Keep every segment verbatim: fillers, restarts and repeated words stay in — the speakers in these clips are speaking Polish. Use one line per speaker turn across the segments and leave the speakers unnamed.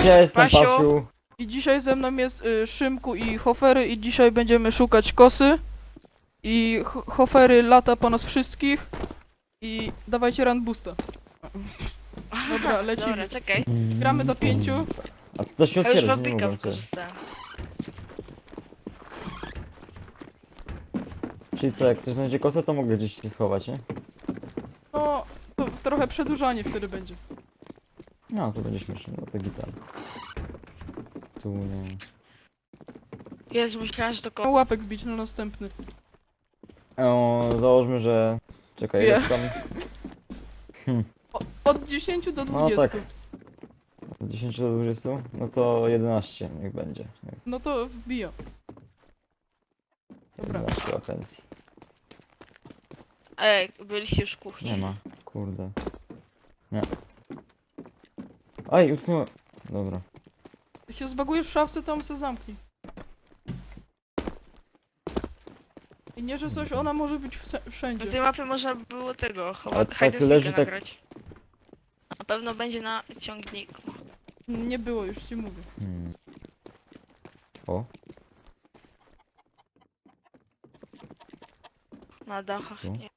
Cześć, ja jestem
Pasiu.
Pasiu.
I dzisiaj ze mną jest y, Szymku i Hofery i dzisiaj będziemy szukać kosy. I Ho- Hofery lata po nas wszystkich. I dawajcie run boosta. Dobra, lecimy.
Dobra, czekaj.
Gramy do pięciu.
A to się
Ja już
otwiera, nie
wapika
mogłem cię.
wykorzystałem.
Czyli co, jak ktoś znajdzie kosę, to mogę gdzieś się schować, nie?
No, to trochę przedłużanie wtedy będzie.
No, to będzie śmieszne, no to gitar. Tu nie...
Jezu, myślałem, że to
No,
ko...
łapek wbić na następny.
O, założmy, że... Czekaj,
Wie.
jak tam...
O, od dziesięciu do
No
dwudziestu.
tak. Od dziesięciu do dwudziestu? No to jedenaście niech będzie.
No to wbija. Dobra.
jedenaście atencji.
Ej, byliście już w kuchni.
Nie ma, kurde. Nie. Aj, utknąłem. Dobra.
Jak się zbagujesz w szafce, to on se zamknij. I nie, że coś, ona może być wse-
Na
wszędzie.
tej mapie można było tego,
Ale
chowa...
tak
hide and
leży
seeka
tak-
nagrać. Na pewno będzie na ciągniku.
Nie było, już ci mówię.
Hmm. O,
Na dachach,
Tu?
nie.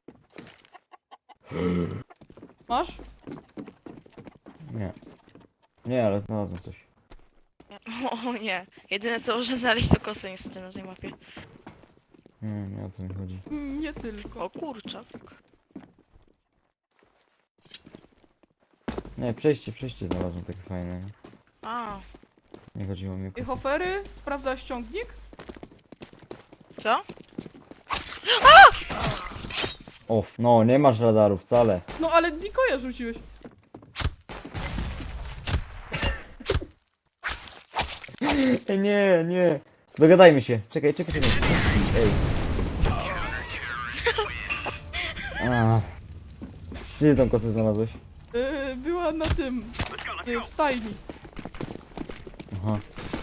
Masz?
nie. Nie, ale znalazłem coś.
O nie. Jedyne co można znaleźć to kosy niestety na tej mapie.
Nie, nie o to mi chodzi.
Mm, Nie tylko.
O kurczak.
Nie, przejście, przejście znalazłem takie fajne.
A,
Nie chodziło mi o
I
kosę.
Hofery? Sprawdzasz ciągnik?
co?
Off, no nie masz radaru wcale.
No ale Dikoja rzuciłeś.
Ej, nie, nie. Dogadajmy się. Czekaj, czekaj, czekaj. Ej. A. Gdzie ty tą kosę znalazłeś?
Yy, była na tym. Yy, w stajni.
Aha.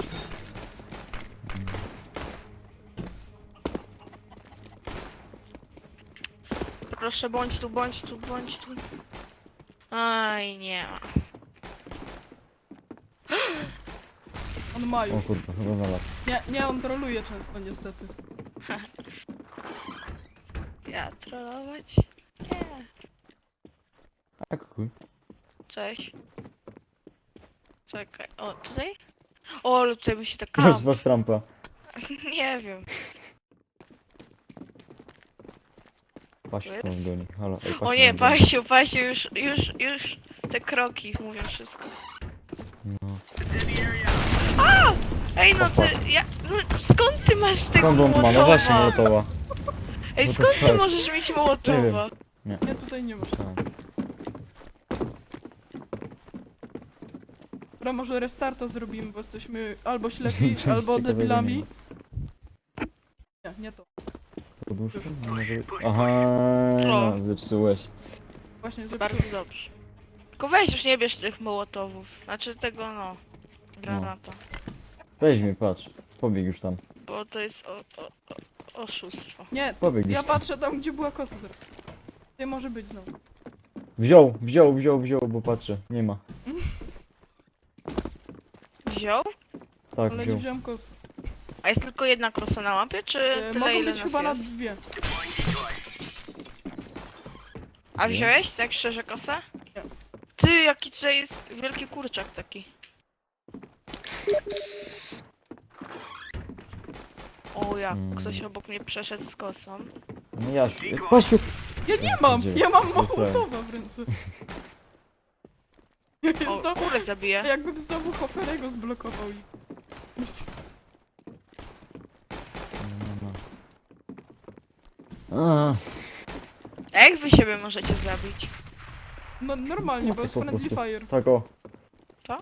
Proszę, bądź tu, bądź tu, bądź tu. Aj, nie ma.
On ma
O
już.
kurde, chyba znalazł.
Nie, nie, on troluje często niestety.
Ja trollować? Nie.
A kuj.
Cześć. Czekaj, o, tutaj? O, ale tutaj by się tak
Masz,
kam.
masz trampa.
Nie wiem.
Paść
To
tu
jest?
goni. Halo, ej,
O
patrz,
nie,
tu goni.
Pasiu, Pasiu, już, już, już te kroki mówią wszystko.
No.
Ej, no ty, ja, no skąd ty masz tego
Skąd on ma? No
Mołotowa?
właśnie Mołotowa.
Ej,
What the
skąd ty
fuck?
możesz mieć Mołotowa?
Nie, tutaj nie masz.
Tak.
Dobra, może restarta zrobimy, bo jesteśmy albo ślepi,
Nic
albo
ciekawego nie
debilami. Nie, nie to.
Poduszki? No może... Aha,
O.
no, zepsułeś.
Właśnie
Bardzo
zepsułem.
dobrze. Tylko weź już nie bierz tych Mołotowów. Znaczy tego, no, granata.
Weź mnie, patrz. Pobieg już tam.
Bo to jest o, o, o, oszustwo.
Nie,
Pobieg
ja
już tam.
patrzę tam, gdzie była kosa teraz. Nie może być znowu.
Wziął, wziął, wziął, wziął, bo patrzę. Nie ma.
Wziął?
Tak,
Ale nie
wziął.
wziąłem kosy.
A jest tylko jedna krosa na mapie, czy
E,
tyle
mogą
ile
być
nas
chyba na
jest?
dwie.
A
Nie.
wziąłeś tak szczerze kosę?
Nie.
Ty, jaki tutaj jest wielki kurczak taki. O, jak
Mm.
ktoś obok mnie przeszedł z kosą.
No Jasiu. Pasiu!
Ja nie
Ja
mam!
pierdzielę.
Ja mam
Zostałem.
Mołotowa w ręce.
O,
Znowu,
kurę zabiję.
jakbym znowu Hoferego zblokował. i-
Nie ma. A,
A jak wy siebie możecie zabić?
No normalnie,
No
bo
to
jest
po
friendly
prostu.
fire.
tak o.
Co?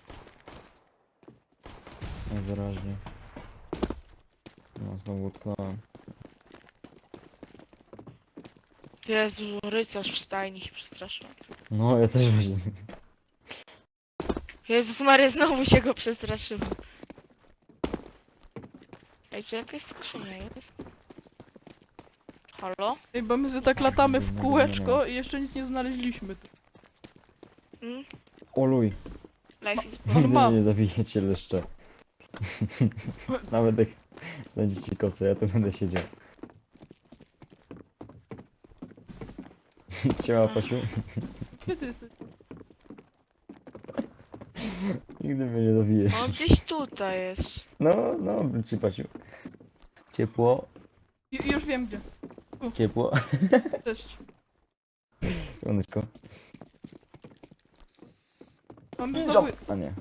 Najwyraźniej. No znowu utknąłem.
Jezu, rycerz w stajni się przestraszyłem.
No ja też właśnie.
Jezus Maria, znowu się go przestraszyłem. Ej, tu jakaś skrzynia jest? Halo?
Ej, bo my sobie tak latamy w kółeczko i jeszcze nic nie znaleźliśmy.
Mm?
Oluj.
Life is
On
Nigdy
ma.
mnie nie zabijecie leszcze. Nawet jak znajdziecie kosę, ja tu będę siedział. Siema, Pasiu.
Gdzie ty jesteś?
Nigdy mnie nie zabijesz.
On gdzieś tutaj jest.
No, no, ci Pasiu. Ciepło,
Ju- już wiem gdzie.
ciepło.
Cześć.
Słoneczko.
Mamy znowu,
A nie.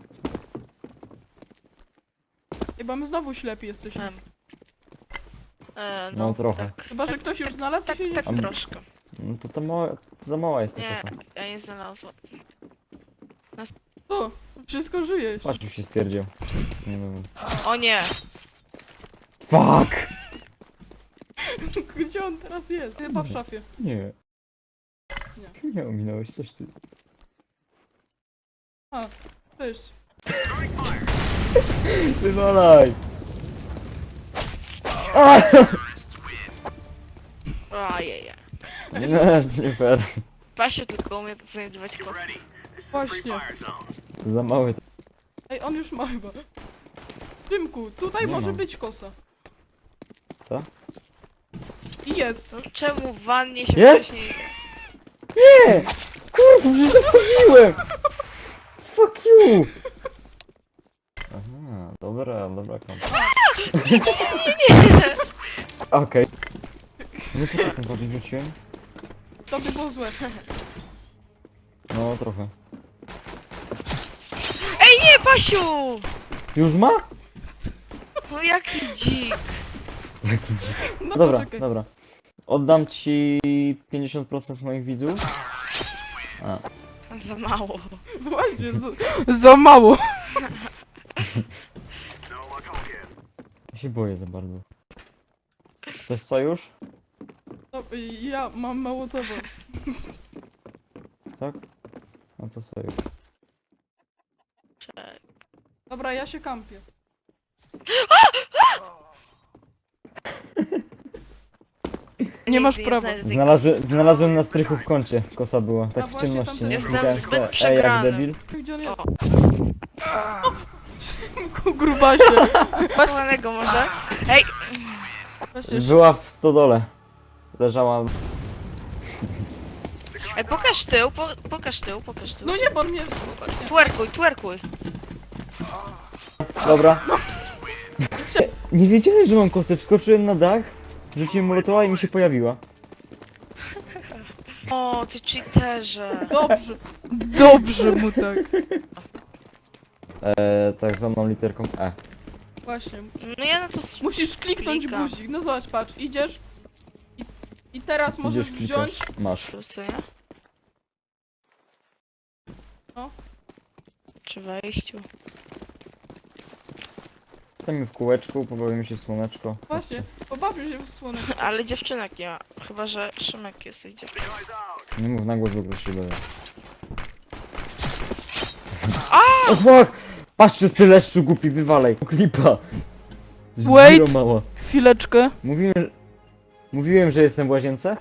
Ej, mamy znowu ślepi jesteśmy.
Em. E,
No, trochę.
Tak,
Chyba, że ktoś już znalazł
tak,
i się
tak
Am-
troszkę.
No to, to, mała, to za mała jest ta
Nie,
kosa.
ja nie znalazłam.
O, wszystko żyjesz.
Pasiu się spierdział. Nie wiem.
O nie!
Fuck!
Gdzie on teraz jest? Chyba w szafie.
Nie.
Nie.
Nie ominąłeś coś ty.
Cześć.
Wywalaj! A!
Ojej.
Nie, nie fair.
Pasiu tylko umie znajdować kosy.
Właśnie.
Za mały.
Ej, on już ma chyba. Szymku, tutaj
Nie
może
mam.
być kosa.
Co?
I jest.
No czemu w wannie się
Jest?
wcześniej...
Nie! Kurwa, przecież to wchodziłem! Fuck you! Aha, dobra, dobra kompa. Okej. Nie po taką bardziej wróciłem?
To by było złe.
No, trochę.
Ej nie, Pasiu!
Już ma?
No jaki dzik.
Jaki dzik.
No
Dobra,
poczekaj.
dobra. Oddam ci pięćdziesiąt procent moich widzów. A,
Za mało.
Właśnie, za, za mało.
ja się boję za bardzo. Chcesz sojusz?
No, ja mam mało tego.
Tak? No to sojusz.
Czekaj.
Dobra, ja się kampię. Nie masz
Nigdy
prawa.
znajdę tej
Znalazłem, znalazłem na strychu w kącie. Kosa była. Tak
A
w
właśnie,
ciemności,
tam
nie?
też-
Klikałem
Jestem zbyt
se, Ej, jak
przegrany.
debil.
Gdzie on
kosy.
jest?
O,
Szymku, grubasie. Właśnie,
kochanego może? Ej!
właśnie.
Była w stodole. Leżała.
Ej, pokaż tył, po, pokaż tył, pokaż tył.
No nie, bo on mnie...
Twerkuj, twerkuj.
Dobra. Nie wiedziałem, że mam kosę. Wskoczyłem na dach, rzuciłem molotowa i mi się pojawiła.
O, ty cheaterze.
Dobrze. Dobrze mu tak.
Eee, tak zwaną literką E.
Właśnie.
No ja na to s-
Musisz kliknąć
Klikam.
guzik. No zobacz, patrz, idziesz. I, i teraz możesz
Idziesz,
wziąć...
klikasz. Masz.
co nie?
No.
Przy wejściu.
Stajemy w kółeczku, pobawimy się w słoneczko.
Właśnie, pobawię się w słoneczku.
Ale dziewczynek nie ma. Chyba, że Szymek jest i dziewczynek.
Nie mów na głos, bo ktoś się dowie. O fuck! Patrzcie, ty leszczu głupi, wywalej. Klipa.
Wait.
Zero mała.
Chwileczkę.
Mówiłem, mówiłem, że jestem w łazience?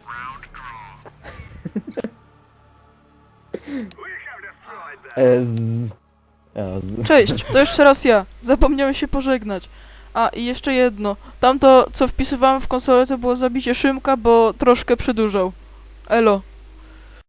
Ez. Ez.
Cześć, to jeszcze raz ja. Zapomniałem się pożegnać. A, i jeszcze jedno. Tamto, co wpisywałem w konsolę, to było zabicie Szymka, bo troszkę przedłużał. Elo.